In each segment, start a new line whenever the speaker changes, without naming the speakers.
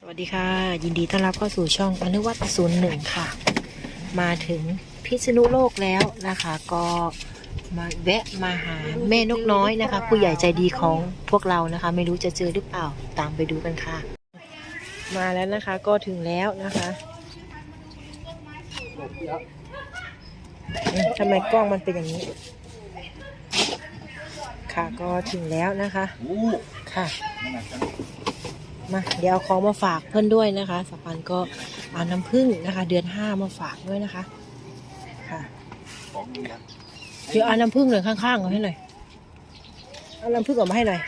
วัสดีค่ะยินดีต้อนรับเข้าสู่ช่องอนุวัต01ค่ะมาถึงพิษณุโลกแล้วนะคะก็มาแวะมาหาแม่นกน้อยนะคะผู้ใหญ่ใจดีของพวกเรานะคะไม่รู้จะเจอหรือเปล่าตามไปดูกันค่ะมาแล้วนะคะก็ถึงแล้วนะคะทำไมกล้องมันเป็นอย่างนี้ค่ะก็ถึงแล้วนะคะค่ะมาเดี๋ยวเอาของมาฝากเพื่อนด้วยนะคะสัปปันก็เอาน้ำผึ้งนะคะเดือน5มาฝากด้วยนะคะค่ะเดี๋ยวเอาน้ำผึ้งหน่อยข้างๆเอาให้หน่อยเอาน้ำผึ้งออกมาให้หน่อย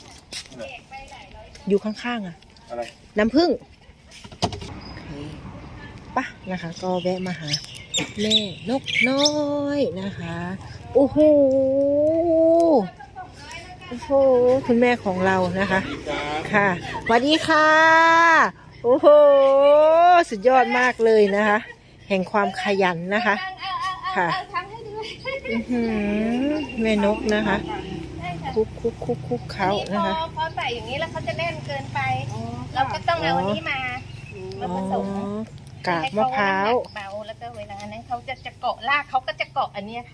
อยู่ข้างๆอ่ะน้ำผึ้งโอเคปะนะคะก็แวะมาหาแม่นกน้อยนะคะโอ้โหโอ้โหคุณแม่ของเรานะคะค่ะสวัสดีค่ะโอ้โหสุดยอดมากเลยนะคะแห่งความขยันนะคะค่ะแม่นกนะคะคุกเขานะคะ
พอใส่อย่างนี้แล้วเขาจะแน่นเกินไปเราก็ต้องเอาอันนี้มาผสม
กากมะพร้าว
เบาแล้วก็เวลานั้นเขาจะเกาะรากเขาก็จะเกาะอันนี้ค่ะ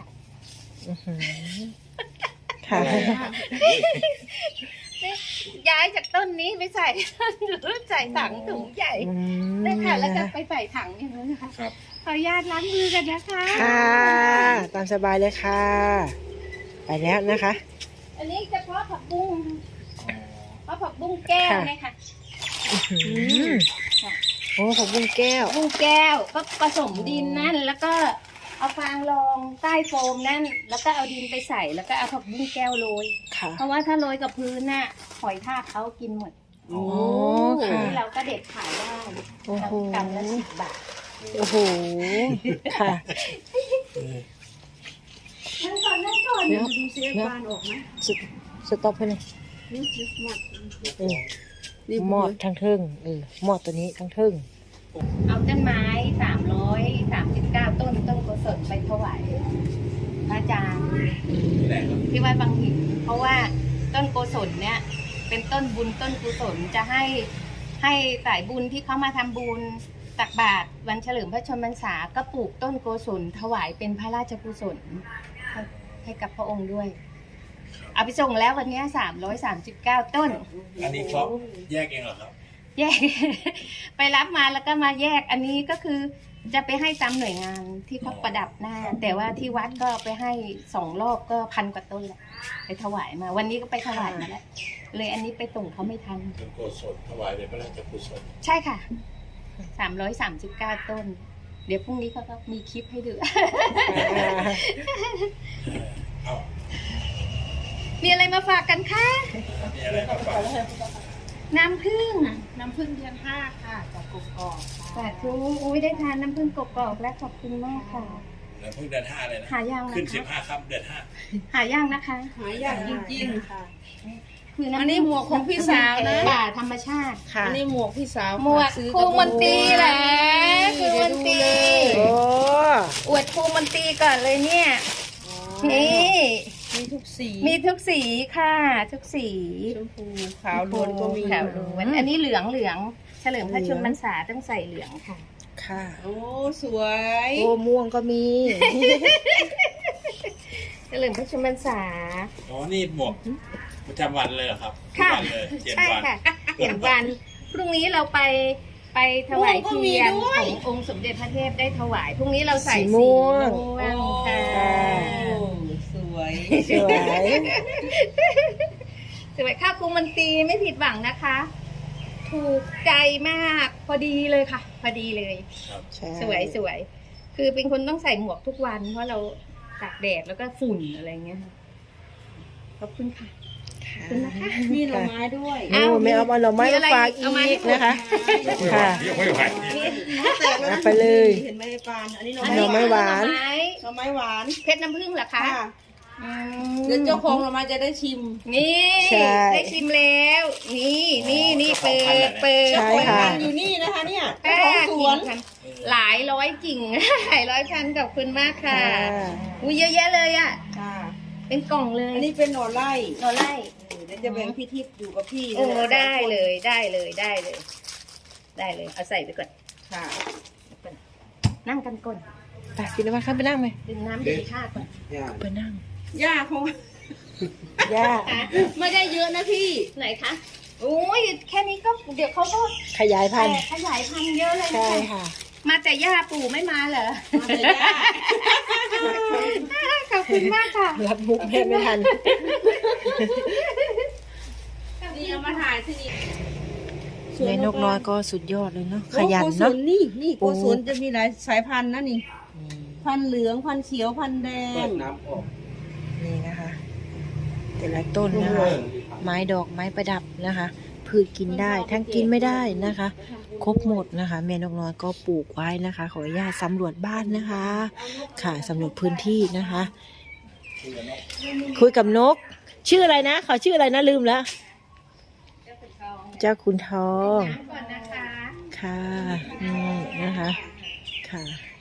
ค่ะ
ย้ายจากต้นนี้ไปใส่ใส่ถังถุงใหญ่ได้ค่ะแล้วก็ไปใส่ถังอย่างนี้นะคะขออนุญาตล้างมือกันนะคะ
ค่ะตามสบายเลยค่ะไปแล้วนะคะ
อันนี้เฉพาะผักบุ้งเพราะผักบุ้งแก้วนะคะ
โอ้ผักบุ้งแก้ว
ก็ผสมดินนั่นแล้วก็เอาฟางรองใต้โฟมนั่นแล้วก็เอาดินไปใส่แล้วก็เอาผักบุ้งแก้วโรยเพราะว่าถ้าโรยกับพื้นน่ะหอยทากเขากินหมด
โอ้ค่ะ
เราก็เด็ดขายได้กำละ10 บาท
โอ้โหค่ะ
นั่งก่อนดูเสียบานออกไหม
สต็อปให้หน่อยหมอดทั้งเทิงหมอดตัวนี้ทั้งเทิง
เอาต้นไม้339ต้นกุศลไปถวายพระอาจารย์ที่วัดบางหินเพราะว่าต้นกุศลเนี่ยเป็นต้นบุญต้นกุศลจะให้สายบุญที่เขามาทำบุญตักบาตรวันเฉลิมพระชนมพรรษาก็ปลูกต้นกุศลถวายเป็นพระราชกุศลให้กับพระองค์ด้วยเอาไปส่งแล้ววันนี้339ต้น
อันนี้เขาแยกเองเหรอครับ
แยก ไปรับมาแล้วก็มาแยกอันนี้ก็คือจะไปให้ตามหน่วยงานที่เขาประดับหน้าแต่ว่าที่วัดก็ไปให้2 รอบก็1,000 กว่าต้นแหละไปถวายมาวันนี้ก็ไปถวายมาแล้วเลยอันนี้ไปส่งเขาไม่ทัน
เป็นกุศลถวายเป็นพระราชกุศล
ใช่ค่ะ339ต้นเดี๋ยวพรุ่งนี้เขาก็มีคลิปให้ดู มีอะไรมาฝากกันคะ
มีอะไรมาฝาก
น้ำผึ้ง
เดือน5ค่ะจากกกอก
สาธุอุ้ยได้ทานน้ำผึ้งกกอกและขอบคุณมากค่ะ
น้ำผึ้งเดือน5เลยนะ
หายาก
ขึ้น15 ค่ำเดือน5
หายากนะคะ
หายากจริงๆค่ะ
คือ
อันนี้หมวกของพี่สาวนะ
ป่าธรรมชาติ
ค่ะอันนี้หมวกพี่สาว
หมวกครูมนตรีแหละครูมนตรีอวดครูมนตรีก่อนเลยเนี่ยนี่
มีทุก
สีค่ะทุกสี
ชมพูขาวล้วนก็มี
ขาวล้วนอันนี้เหลืองเฉลิมพระชนมพรรษาต้องใส่เหลืองค่ะ
ค่ะ
โอ้สวย
โอ้ม่วงก็มี
เฉลิมพระชนมพรรษา
อ๋อนี่หมวกประจำวันเลยเหรอครับ
ค่ะใช่ค่ะ7 วันพรุ่งนี้เราไปถวายเทียนขององค์สมเด็จพระเทพได้ถวายพรุ่งนี้เราใส่สีม่วงค่ะ
สวย
ข้าวครูมันตีไม่ผิดหวังนะคะถูกใจมากพอดีเลยค่ะพอดีเลยสวยคือเป็นคนต้องใส่หมวกทุกวันเพราะเราตากแดดแล้วก็ฝุ่นอะไรเงี้ยขอบคุณค่ะ
มีหน่อไม้ด้วย
ไม่เอาหน่อไม้มาฝากอีกนะคะค่ะไปเลย
เห็นไหมปานอันนี้หน่
อไม้หวาน
เพชรน้ำผึ้งเหรอคะ
เดี๋ยวเจ้าของหน่อไม้จะได้ชิม
นี่ได้ชิมแล้วนี่เปิด
ใช่ค่ะ
อยู่นี่นะคะเนี่ยของสวน
หลายร้อยกิ่งหลายร้อยพันขอบคุณมากค่ะอุ้ยเยอะแยะเลยอ่ะเป็นกล่องเลย
อันนี้เป็นหน่อไร่
เดี๋ยว
จะแบ่งพี่ทิพย์อยู่กับพี่
โอ้ได้เลยได้เลยเอาใส่ไปก่อน
ค่ะ
นั่งกันก่อน
ไปพี่นวัดเข้าไปนั่งไหม
ดื่มน้ำดื่มข้าวก่อน
ไปนั่ง
ย่าคง
ย่า
ไม่ได้เยอะนะพี่
ไหนคะโอ้ยแค่นี้ก็เดี๋ยวเขาก็
ขยายพันธุ์
ขยายพันธุ์เยอะเลยนะ
ใช่
คะ
ค่ะ
มาแต่ย่าปู่ไม่มาเหรอ
มาแต่ย่า
ขอบคุณมากค่ะ
รับมุกแม่ไม่ทัน
นี่เอามาถ่ายที่นี่
แม่นกน้อยก็สุดยอดเลยเนาะขยัน
โกศ
เนาะ
ลนี่โกศลจะมีหลายสายพันธุ์นะนี่ พันธุ์เหลืองพันธุ์เขียวพันธุ์แดง
นี่นะคะ แต่ละต้นนะคะ ไม้ดอกไม้ประดับนะคะ พืชกินได้ทั้งกินไม่ได้นะคะ ครบหมดนะคะแม่นกน้อยก็ปลูกไว้นะคะ ขออนุญาตสำรวจบ้านนะคะ ค่ะสำรวจพื้นที่นะคะ คุยกับนก ชื่ออะไรนะเขาชื่ออะไรนะลืมแล้ว เจ้าคุณทอง
น้ำก่อนนะคะ
ค่ะนี่นะคะค่ะ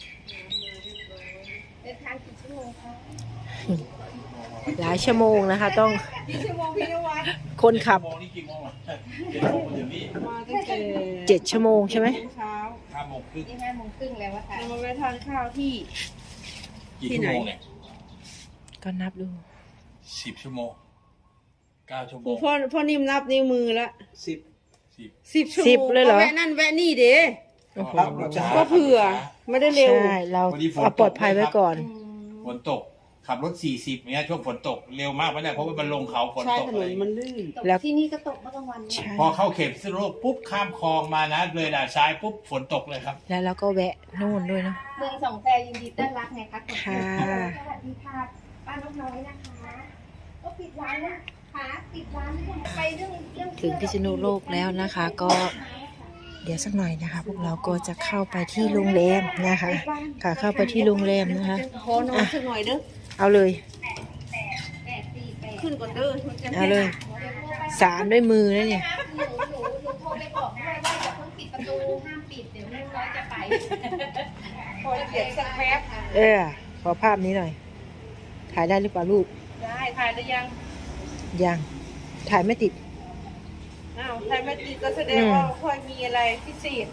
เดินทางกี่ชั่วโมงคะ
หลายชั่วโมงนะคะ ต้อง
กี่ชั่วโมงพี่นวัด
คนขับ
โมงนี่กี่โมงอ่ะ7 โมงมาถึงนี่
มาตั้งแต่
7 ชั่วโมงใช่ไหม
เช้า
5 โมงครึ่ง
นี่5 โมงครึ่งแล้วอะค่ะ
เรามาไปทานข้าวที่
กี่ชั่วโมงเนี่ย
ก็นับดู
10 ชั่วโมง 9 ชั่วโม
ปู่
ง
พ่อนิ่มนับนิ้วมือละ
10
10 ชั่วโมง
10เลยเหรอ
แวะนั่นแวะนี่เด้
โอ้โห
ก็เผื่อไม่ได้เร็ว
ใช่เราเอาปลอดภัยไว้ก่อน
ฝนตก ขับรถ 40เนี้ยช่วงฝนตกเร็วมากไม่ได้เพราะว่ามันลงเขาฝน
ใช่
ตก
ถน
เล
น
ย
มันลื่น
ตก
แล้ว
ที่นี่ก็ตกเมื่อกลางวันเนี่ย
ใช่
พอเข้าเขตพิษณุโลกปุ๊บข้ามคลองมานะเลยด่านซ้ายปุ๊บฝนตกเลยครับ
แล้วเราก็แวะนู่นด้วยเนาะ
เมืองสองแพยินดีต้อนรับไงคะ
ค่ะ
สวัสดีค่ะป้านกน้อยนะคะก็ปิดร้านแล้วค่ะปิดร้านไปเรื่อง
ถึงพิษณุโลกแล้วนะคะ ก็เดี๋ยวสักหน่อยนะคะ พวกเราก็จะเข้าไปที่โรงแรมนะคะ ค่ะเข้าไปที่โรงแรมนะคะ
ขอนอนสักหน่อยเด้อ
เอาเลย
ขึ้นก่อนเด้อมันจะ
เอาเลย สารด้วยมือนะเนี่ย
หนูโทรไปบอกด้วยว่าอย่าเพิ่งปิดประตูห้ามปิดเดี๋ยวแม่น้อยจะไป
พอเก็บสักแป๊บ
ขอภาพนี้หน่อย ถ่ายได้หรือเปล่าลูก
ได้ถ่ายได้ยัง
ยัง ถ่ายไม่ติด
อ้าวถ่ายไม่ติดก็แสดงว่าค่อยมีอะไรพิเศษ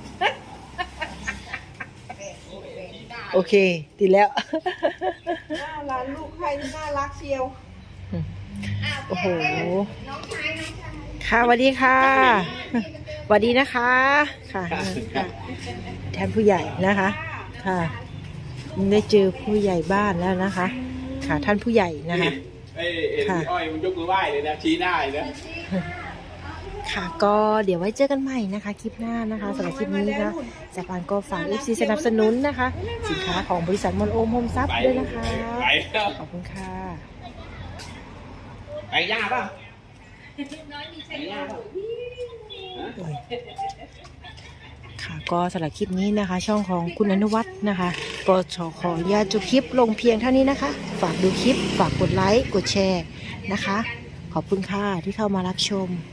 โอเค ติดแล้ว
ร้านลูกใครนี่น่ารักเชียว
โอ้โห
น้องชาย
ค่ะสวัสดีค่ะสวัสดีนะคะ ค่ะค่ะแทนผู้ใหญ่นะคะ ค่ะ ได้เจอผู้ใหญ่บ้านแล้วนะคะ ค่ะท่านผู้ใหญ่นะคะ ค่ะ
อ้อยมันยกมือไหว้เลยนะชี้หน้าเลยนะ
ค่ะก็เดี๋ยวไว้เจอกันใหม่นะคะ คลิปหน้านะคะสำหรับคลิปนี้นะสายปานก็ฝาก FC สนับสนุนนะคะ สินค้าของบริษัทมอนโอมโฮมซับด้วยนะคะ
ไปแล้ว
ขอบคุณค่ะ
ไปย่าป่ะ
ค่ะก็สำหรับคลิปนี้นะคะ ช่องของคุณอนุวัฒน์นะคะ ก็ขออนุญาตจบคลิปลงเพียงเท่านี้นะคะ ฝากดูคลิปฝากกดไลค์กดแชร์นะคะ ขอบคุณค่ะที่เข้ามารับชม